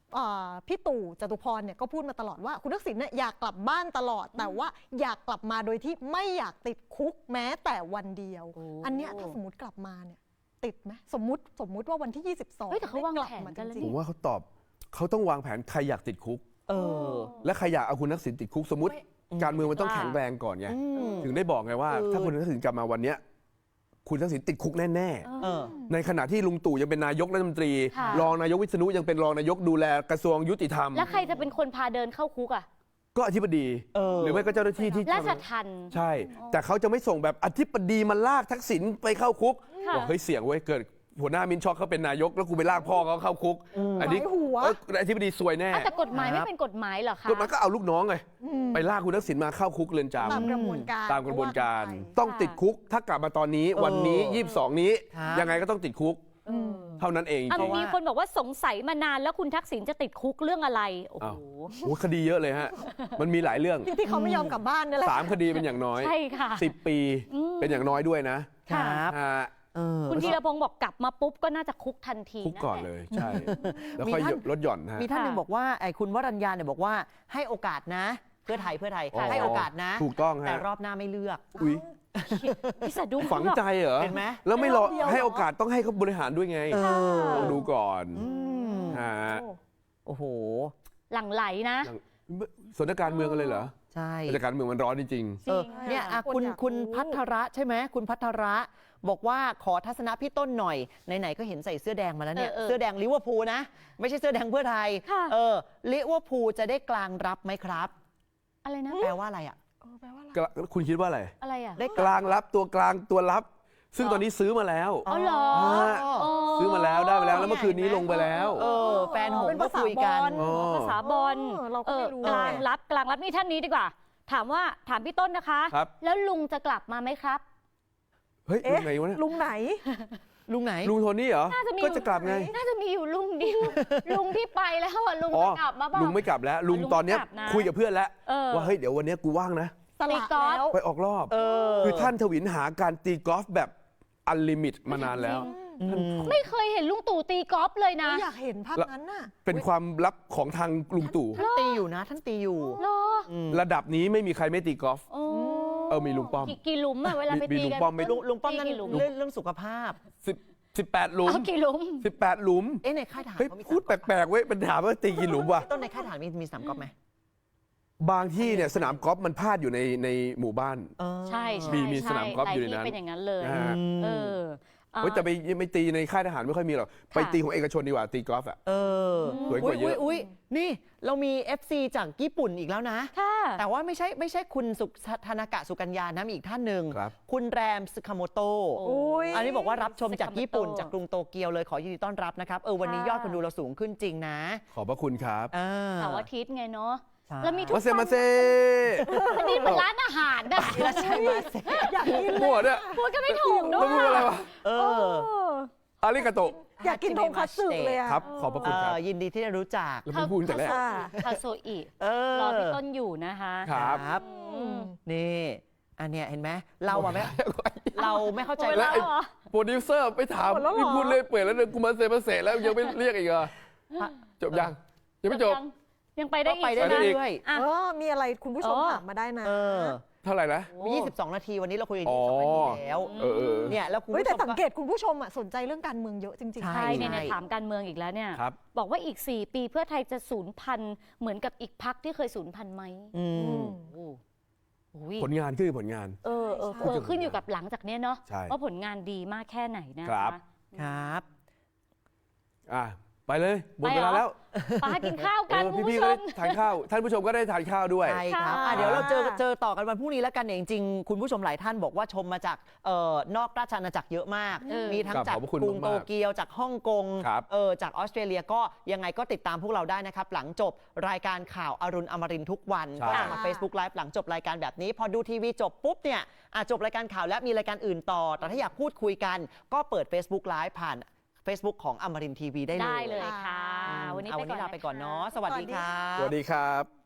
S4: อ่าพี่ตู่จตุพรเนี่ยก็พูดมาตลอดว่าคุณทักษิณเนี่ยอยากกลับบ้านตลอด แต่ว่าอยากกลับมาโดยที่ไม่อยากติดคุกแม้แต่วันเดียว อันเนี้ยถ้าสมมติกลับมาเนี่ยติดไหมสมมติสมมุติว่าวันที่ยี่สิบสอง
S1: เฮ้ยแต่เขาวางแผนกันแล้ว
S4: จริ
S2: ผ
S4: ง
S2: มว่าเขาตอบเขาต้องวางแผนใครอยากติดคุก
S3: เออ
S2: และใครอยากเอาคุณทักษิณติดคุกสมมติ การเมืองมันต้อง
S1: ว่า
S2: แข็งแรงก่อนไง
S3: อืม
S2: ถึงได้บอกไงว่า
S3: เออ
S2: ถ้าคุณทักษิณกลับมาวันเนี้ยคุณทักษิณติดคุกแน่
S3: เออ
S2: ๆในขณะที่ลุงตู่ยังเป็นนายกรัฐมนตรี
S1: ค่ะ
S2: รองนายกวิษณุยังเป็นรองนายกดูแลกระทรวงยุติธรรม
S1: แล้วใครจะเป็นคนพาเดินเข้าคุกอ่ะ
S2: ก็อธิบดี
S3: เออ
S2: หรือไม่ก็เจ้าหน้าที่ที่
S1: ราชทัณฑ์
S2: ใช่ แต่เขาจะไม่ส่งแบบอธิบดีมาลากทักษิณไปเข้าคุก
S1: ค่ะ
S2: บอกเฮ้ยเสี่ยงเว้ยเกิดหัวหน้ามินช็อกเขาเป็นนายกแล้วกูไปลากพ่อเขาเข้าคุก อันนี้
S4: หมายหัว
S2: เอ้ยอธิบดีซวยแน่
S1: อ่ะแต่กฎหมายไม่เป็นกฎหมายเหรอคะ
S2: กฎหมายก็เอาลูกน้องไงไปลากคุณทักษิณมาเข้าคุกเรือนจำ
S4: ตามกระบวนการ
S2: ตามกระบวนการ
S4: ว่ไป
S2: ต้องติดคุก ถ้ากลับมาตอนนี้วันนี้ยี่สิบสองนี้
S3: ครับ
S2: ยังไงก็ต้องติดคุก เท่านั้นเอง
S1: อ่ะ
S2: จริง
S1: มีคนบอกว่าสงสัยมานานแล้วคุณทักษิณจะติดคุกเรื่องอะไร โอ้โห
S2: อ้าว โอ้คดีเยอะเลยฮะ มันมีหลายเรื่อง
S4: ที่เขาไม่ยอมกลับบ้านนี่แหละ
S2: สามคดีเป็นอย่างน้อย
S1: ใช่ค่ะ
S2: สิบปี
S1: อืม
S2: เป็นอย่างน้อยด้วยนะ
S3: ครับ
S2: ฮะ
S3: เออ
S1: คุณธีรพงศ์บอกกลับมาปุ๊บก็น่าจะคุกทันที
S2: คุกก่อนเลยใช่ แล้ว
S3: มี
S2: ค่อย
S3: ท่าน
S2: ลดหย่อนฮะ
S3: มีท่านหนึ่งบอกว่าไอ้คุณวรัญญาเนี่ยบอกว่าให้โอกาสนะ เพื่อไทยเพื่อไทย
S2: อ๋อ
S3: ให้โอกาสนะ
S2: ถูกต้อง
S3: แต่
S2: ฮะ
S3: รอบหน้าไม่เลือก
S2: อุ้ย
S1: พี่สะดุ้ง
S2: ฝังใจเหรอ
S3: เห็นไหม
S2: แล้วไม่รอ
S4: เดียวเหรอ
S2: ให้โอกาสต้องให้เขาบริหารด้วยไง
S3: เออ
S2: ลองดูก่อน
S3: อืม
S2: ฮะ
S3: โอ้โห
S1: หลั่งไหลนะ
S2: สถานการณ์เมืองกันเลยเหรอ
S3: ใช่
S2: สถานการณ์เมืองมันร้อนจริง
S3: เออเนี่ยอ่ะ
S4: คน
S3: คุณ
S4: อยาก
S3: คุณ
S4: รู้
S3: พัทระใช่ไหมคุณพัทระบอกว่าขอทัศนะพี่ต้นหน่อยไหนๆก็เห็นใส่เสื้อแดงมาแล้วเนี่ย
S1: เออเออ
S3: เสื้อแดงลิเวอร์พูลนะ ไม่ใช่เสื้อแดงเพื่อไทย
S1: ค่ะ
S3: เออลิเวอร์พูลจะได้กลางรับไหมครับ
S1: อะไรนะ
S3: แปลว่าอะไรอ่ะ
S4: เออแปลว่าอะไร
S2: ๆกลางคุณคิดว่าอะไร
S1: อะไรอ่ะ
S3: ได้
S2: กลางรับตัวกลางตัวรับ ซึ่งตอนนี้ซื้อมาแล้ว
S1: อ๋อเหรอ
S2: ฮะ
S1: อ๋อ
S2: ซื้อมาแล้วได้มาแล้วแล้วเมื่อคืนนี้ลงไปแล้ว
S3: เออแฟนหง
S4: เป็น
S3: ส์ก็
S4: ภาษา
S3: คุยกัน
S4: บอล
S2: อ๋อ
S1: ภาษาบอล
S4: เออเราก็ไม่รู้
S1: กลางรับกลางรับนี่ท่านนี้ดีกว่า ถามว่าถามพี่ต้นนะคะ
S2: ครับ
S1: แล้วลุงจะกลับมาไหมครับ
S2: เฮ้ยลุ
S4: เอ๊ะ
S2: งไหนวะเนี่ย
S4: ลุงไหน
S3: ลุงไหน
S2: ลุงโทนี่เหรอ
S1: น่าจะมี
S2: ก็จะกลับไง
S1: น่าจะมีอยู่ลุงเดียว ลุงที่ไปแล้วอ่ะลุง
S2: อ๋อ
S1: จะกลับมาบ้าง
S2: ลุงไม่กลับแล้ว ลุง
S1: ลุง
S2: ตอนเนี้ย
S1: กลับนะ
S2: คุยกับเพื่อนแล้ว
S1: เออ
S2: ว่าเฮ้ยเดี๋ยววันเนี้ยกูว่างนะ
S4: สละ
S1: ตีกอล์ฟ
S4: แล้ว
S2: ไปออกรอบ
S3: เออ
S2: คือท่านทวินหาการตีกอล์ฟแบบอันลิมิตมานานแล้ว
S1: ไม่เคยเห็นลุงตู่ตีกอล์ฟเลยนะ
S4: อยากเห็นภาพนั้นน่ะ
S2: เป็นความลับของทางลุงตู่
S3: ท่านตีอยู่นะ ท่านตีอยู่
S1: เหรอ
S2: ระดับนี้ไม่มีใครไม่ตีกอล์ฟ
S1: โอ้
S2: เออมีลุงป้อม
S1: กี่กี่หลุมอะเวลาไป
S2: มี
S1: ตี
S2: ลุง
S1: กัน
S2: ป้อมไหม
S3: ลุงลุงป้อมนั่น
S1: ตีกี่หลุม
S3: เรื่องเรื่องสุขภาพ
S2: สิบสิบแปดหลุม
S1: เอากี่หลุม
S2: สิบแปดหลุม
S3: เอ๊ะในค่ายทหาร
S2: เฮ้ย
S3: เขามี
S2: พูดแปลกๆเว้ยเป็นถามว่าตีกี่หลุมวะ
S3: ต้นในค่ายทหารมีมีสนามกอล์ฟไหม
S2: บางที่เนี่ยสนามกอล์ฟมันพาดอยู่ในในหมู่บ้าน
S3: เออ
S1: ใช่ใช่
S2: มีมี
S1: ใช่
S2: สนามกอล์ฟอยู่ในนั้น
S1: หลาที่เป็นอย่างนั้นเลย
S2: นะฮะ
S1: เอออ่ะ
S2: เฮ้ยแต่ไปไม่ตีในค่ายทหารไม่ค่อยมีหรอกไปตีของเอกชนดีกว่าตีกอล์ฟอ่ะ
S3: เออ
S2: สวยกว่าเยอะ
S3: อุ๊ยนี่เรามี เอฟ ซี จากญี่ปุ่นอีกแล้วนะ
S1: ค่ะ
S3: แต่ว่าไม่ใช่ไม่ใช่คุณสุธนากะสุกัญญานะมีอีกท่านหนึ่ง
S2: ครับ
S3: คุณแรมสึคาโมโตะ
S1: โอ้ย
S3: อันนี้บอกว่ารับชมจากญี่ปุ่น
S1: สึคาโมโตะ
S3: จากกรุงโตเกียวเลยขอยินดีต้อนรับนะครับเออวันนี้
S1: ค่ะ
S3: ยอดคนดูเราสูงขึ้นจริงนะ
S2: ขอบพระคุณครับ
S3: อ่า
S1: เสาร์อาทิตย์ไงเนาะ
S3: ใช่
S1: แล้วมีทุก
S2: มาเซมาเซ
S1: อันนี้เหมือนร้านอาหารนะ
S3: แล้วใช่ไหม
S4: อยากกิน
S2: หมดเนี่ย
S1: พูดก็ไม่ถูกด้
S2: แล้ว
S1: วย
S2: พูดอะไรวะ
S3: เออ
S2: อาริกาโตะ
S4: อยากกินทงคัตสึเลยอะ
S2: ครับ ขอบพระ
S3: เอ
S2: คุณครับ
S3: อยินดีที่ได้รู้จัก
S2: แล้วไม่พูดแต่แรก
S4: อ่า
S1: คาโซอิ
S3: เออ
S1: รอพี่ต้นอยู่นะคะ
S2: ครับ
S3: ครับ
S1: อืม
S3: นี่อันเนี้ยเห็นไหมเราอะไม่เราไม่เข้าใจ
S1: หมด
S2: แล้
S1: แล้ว ว
S2: ไอ้
S1: เหรอ
S2: โปรดิวเซอร์ไปถาม
S4: หมดแล้วเหรอ
S2: นี่พูดเลยเปื่อยแล้วเดินกูมาเซมาเซแล้วยังไม่เรียกอีกเหรอจบยังยังไม่จบ
S1: ยังยังไปได้
S3: ก็
S1: อีก
S3: ไปได้
S2: ไปได้อีก
S3: เรื่อย
S1: อ่ะ
S4: เออมีอะไรคุณผู้ชม
S1: อ๋อ
S4: ถามมาได้นะ
S3: ๆเออ
S2: เท่าไหร่นะ
S3: มียี่สิบสองนาทีวันนี้เราคุยกัน
S2: อ๋อ
S3: ยี่สิบสองนาทีแล้ว
S2: เออเออ
S3: เนี่ยแล้วคุณ
S4: เฮ้ย
S3: ผู้
S4: แต่
S3: ชม
S4: สังเก
S3: ก็
S4: ตคุณผู้ชมอะสนใจเรื่องการเมืองเยอะจริงๆ
S3: ใช่
S1: ใช่เนี่ยเนี่ยถามการเมืองอีกแล้วเนี่ย
S2: ครับ
S1: บอกว่าอีก สี่ ปีเพื่อไทยจะสูญพันธุ์เหมือนกับอีกพักที่เคยสูญพันธุ์ไหม
S3: อืม
S1: โอ้โห
S2: ผลงานคือผลงาน
S1: เออเออ
S4: ใช่
S1: เออขึ้นอยู่กับหลังจากเนี้ยเนาะ
S2: ใช่
S1: ว่าผลงานดีมากแค่ไหนนะครับ
S3: ครับ
S2: อ่ะไปเลยหมดเวลา
S1: ไปเหรอ
S2: แล้ว
S1: ไปหากินข้าวกัน
S2: เออ
S1: คุณ
S2: พี่
S1: ผู้
S2: ๆ
S1: ช
S2: ก็
S1: ม
S2: ได้ทานข้าว ท่านผู้ชมก็ได้ทานข้าวด้วย
S3: ใช่ครับ
S1: ค่ะ
S3: อ่ะเดี๋ยวเราเจอเจอต่อกันวันพรุ่งนี้แล้วกันเนี่ยจริงๆ คุณผู้ชมหลายท่านบอกว่าชมมาจากเอ่อนอกราชอาณาจักรเยอะมาก
S1: เออ
S3: มีทั้ง
S2: ครับ
S3: จาก
S2: ขอบพระคุณ
S3: กรุง
S2: มากๆ
S3: โตเกียวจากฮ่องกง
S2: ครับ
S3: เออจากออสเตรเลียก็ยังไงก็ติดตามพวกเราได้นะครับ หลังจบรายการข่าวอรุณอมรินทร์ทุกวัน
S2: ใช่
S3: ก็จะมา Facebook Live หลังจบรายการแบบนี้ พอดูทีวีจบปุ๊บเนี่ยอ่ะจบรายการข่าวแล้วมีรายการอื่นต่อ แต่ถ้าอยากพูดคุยกัน ก็เปิด Facebook Live ผ่าน Facebook ของอมรินทร์ทีวีได้เลย
S1: ได้เลยค่ะ วันนี้
S3: เอา
S1: ไป
S3: วันนี้
S1: ก่อน
S3: ลาไปก่อน
S1: นะคะ
S3: เนาะสวัสดีครับ
S2: สวัสดีครับ